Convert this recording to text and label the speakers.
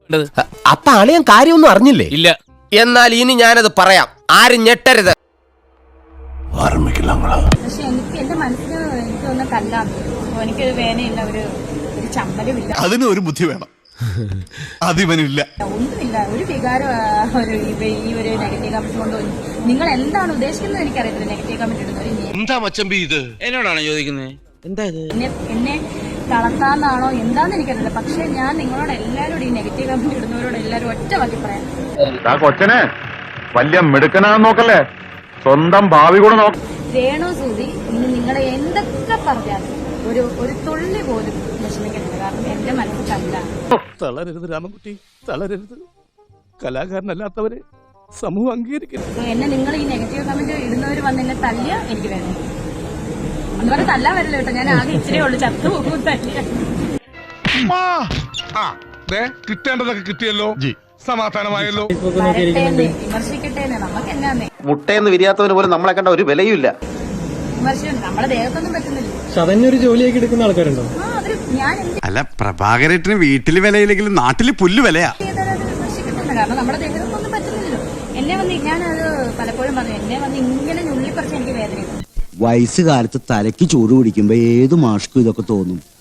Speaker 1: അപ്പൊ അളിയൻ കാര്യമൊന്നും അറിഞ്ഞില്ലേ?
Speaker 2: ഇല്ല.
Speaker 1: എന്നാൽ ഇനി ഞാനത് പറയാം, ആരും ഞെട്ടരുത്.
Speaker 3: പക്ഷെ എനിക്ക് എന്റെ മനസ്സിന് എനിക്കൊന്നും കല്ലാതെ എനിക്കൊരു വേനയില്ല, ഒരു ചമ്മലുമില്ല.
Speaker 4: അതിന് ഒരു ബുദ്ധി വേണം, അതിവനില്ല.
Speaker 3: ഒന്നുമില്ല, ഒരു വികാരം ഈ ഒരു നെഗറ്റീവ് കമന്റ് കൊണ്ട് നിങ്ങൾ എന്താണ് ഉദ്ദേശിക്കുന്നത് എനിക്കറിയത്തില്ല. നെഗറ്റീവ് കമന്റ് ഇടുന്നവര്
Speaker 2: എന്താ മച്ചമ്പി ഇത് എന്നോടാണോ ചോദിക്കുന്നത്? എന്താ ഇത്?
Speaker 3: എന്നെ തളർത്താന്നാണോ എന്താന്ന് എനിക്കറിയില്ല. പക്ഷെ ഞാൻ നിങ്ങളോട് എല്ലാവരോടും ഈ നെഗറ്റീവ് കമന്റ് ഇടുന്നവരോട് എല്ലാവരും ഒറ്റ വാക്കി പറയാം,
Speaker 5: കൊച്ചനെ വലിയ മിടുക്കനാന്ന് നോക്കല്ലേ, സ്വന്തം ഭാവി കൂടെ നോക്ക.
Speaker 3: രേണു സൂതി ഇന്ന് നിങ്ങളെ എന്തൊക്കെ പറഞ്ഞാലും ഒരു തുള്ളി പോലും വിഷമിക്കുന്നില്ല. കാരണം എന്റെ മനസ്സിൽ കല്ല.
Speaker 4: തളരരുത് രാമൻകുട്ടി, തളരരുത്. കലാകാരനല്ലാത്തവരെ സമൂഹം അംഗീകരിക്കരുത്.
Speaker 3: എന്നെ നിങ്ങൾ ഈ നെഗറ്റീവ് കമന്റ് ഇടുന്നവർ വന്ന് എന്നെ തല്ലിയ എനിക്ക് വേണം. അതുപോലെ തല്ലാൻ വരില്ല കേട്ടോ, ഞാൻ ആകെ ഇച്ചിരി ഉള്ളു, ചത്തു പോകും തല്ലിയ.
Speaker 4: കിട്ടേണ്ടതൊക്കെ കിട്ടിയല്ലോ, സമാധാനമായല്ലോ.
Speaker 3: വിമർശിക്കട്ടെ, നമുക്ക് എന്നാന്നേ.
Speaker 5: മുട്ടയെന്ന് വിരിയാത്തവന് പോലും നമ്മളെ കണ്ട ഒരു വിലയുമില്ല.
Speaker 3: വിമർശനം നമ്മുടെ ദേഹത്തൊന്നും പറ്റുന്നില്ല.
Speaker 6: അതന്നെ ജോലിയാക്കി എടുക്കുന്ന ആൾക്കാരുണ്ടോ?
Speaker 3: ഞാൻ
Speaker 7: അല്ല, പ്രഭാകരേട്ടന് വീട്ടില് വിലയില്ലെങ്കിലും നാട്ടില് പുല്ല് വിലയാ.
Speaker 3: വിമർശിക്കട്ടെ, കാരണം നമ്മുടെ ദേഹത്തൊന്നും പറ്റുന്നില്ലല്ലോ. എന്നെ വന്ന് ഞാനത് പലപ്പോഴും പറഞ്ഞു, എന്നെ വന്ന് ഇങ്ങനെ ഞുള്ളിപ്പറിച്ച് എനിക്ക് വേദനയുണ്ട്.
Speaker 8: വയസ്സുകാലത്ത് തലയ്ക്ക് ചൂട് പിടിക്കുമ്പോ ഏത് മാഷ്ക്കും ഇതൊക്കെ തോന്നും.